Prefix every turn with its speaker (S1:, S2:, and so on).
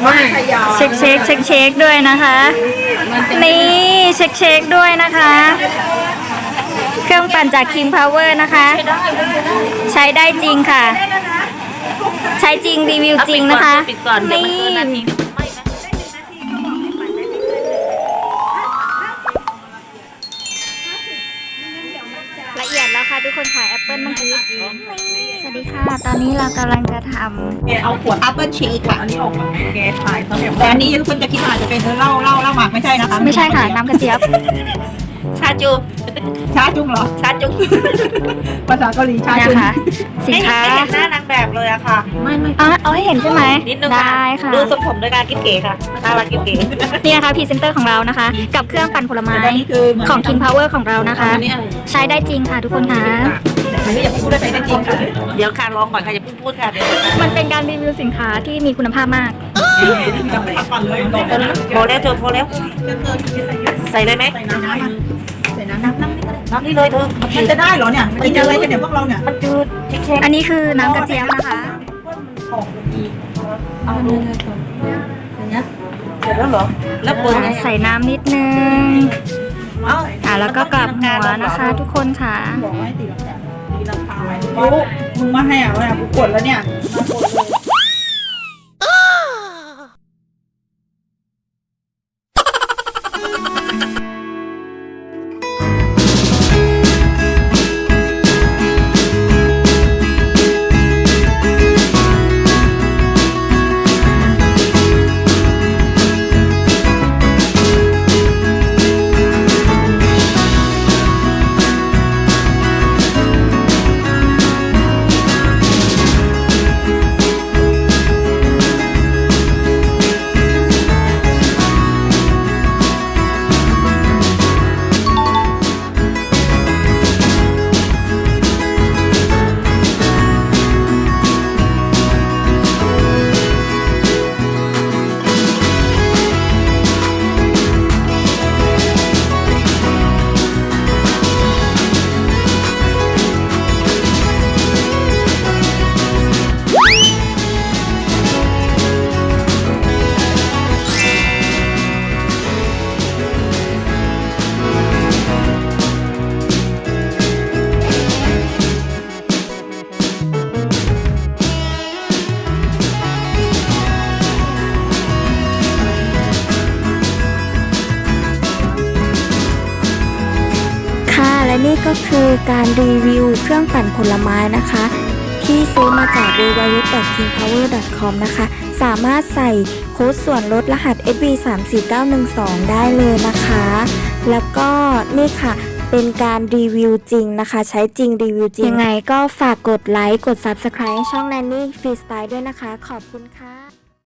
S1: เช็คด้วยนะคะนี่เช็คด้วยนะคะ เครื่องปั่นจาก King Power นะคะใช้ได้จริงค่ะใช้จริงรีวิวจริงนะคะนี่ละเอียดแล้วค่ะทุกคนขายแอปเปิลเมื่อกี้สวัสดีค่ะตอนนี้เรากำลังจะทำ
S2: เอาขวดแอปเปิลชีสค่ะอันนี้ออกมาแกขายเขาแต่อันนี้ทุกคนจะคิดว่าอาจจะเป็นเหล้าหมักไม่ใช่นะคะ
S1: ไม่ใช่ค่ะน้ำกระเจี๊ยบ
S2: ชาจุงเหรอชาจุงภาษาเกาหลีชาจุง
S1: นะคะสินค้า
S2: หน้านางแบบเลยอะค่ะไม่
S1: เอาให้เห็นใช่ไหม
S2: นิดนึง
S1: ได้ค่ะ
S2: ดูทรงผมด้วยการกิ๊บเก๋ค่ะน่ารักกิ๊บเก๋
S1: นี่นะคะพรีเซนเตอร์ของเรานะคะกับเครื่องปั่นผลไม้ของ King Power ของเรานะคะใช้ได้จริงค่ะทุกคนค่ะ
S2: อันนี้อย่าพูดได้จริงค่ะเดี๋ยวค่ะลองก่อนค่ะอย่าพูดค่ะเดี๋ยว
S1: มันเป็นการรีวิวสินค้าที่มีคุณภาพมาก
S2: โบแล้วเธอโบแล้วใส่เลยไหมน้ำนี่เลยเธอมันจะได้เหรอเนี่ยกินอะไรกันเนี่ยพวกเราเนี่ยมันจืด
S1: อันนี้คือน้ำกระเจี๊ยบนะคะ
S2: เอาดูเสร็จแล้วเหรอแล้วเปิด
S1: ใส่น้ำนิดนึงแล้วก็กลับหัวนะคะทุกคนค่ะ
S2: บอกให้ตีราคามึงมาให้กูกดแล้วเนี่ย
S3: และนี่ก็คือการรีวิวเครื่องปั่นผลไม้นะคะที่ซื้อมาจาก www.kingpower.com นะคะสามารถใส่โค้ดส่วนลดรหัส SV34912 ได้เลยนะคะแล้วก็นี่ค่ะเป็นการรีวิวจริงนะคะใช้จริงรีวิวจริงยังไงก็ฝากกดไลค์กด Subscribe ช่อง Nanny Freestyle ด้วยนะคะขอบคุณค่ะ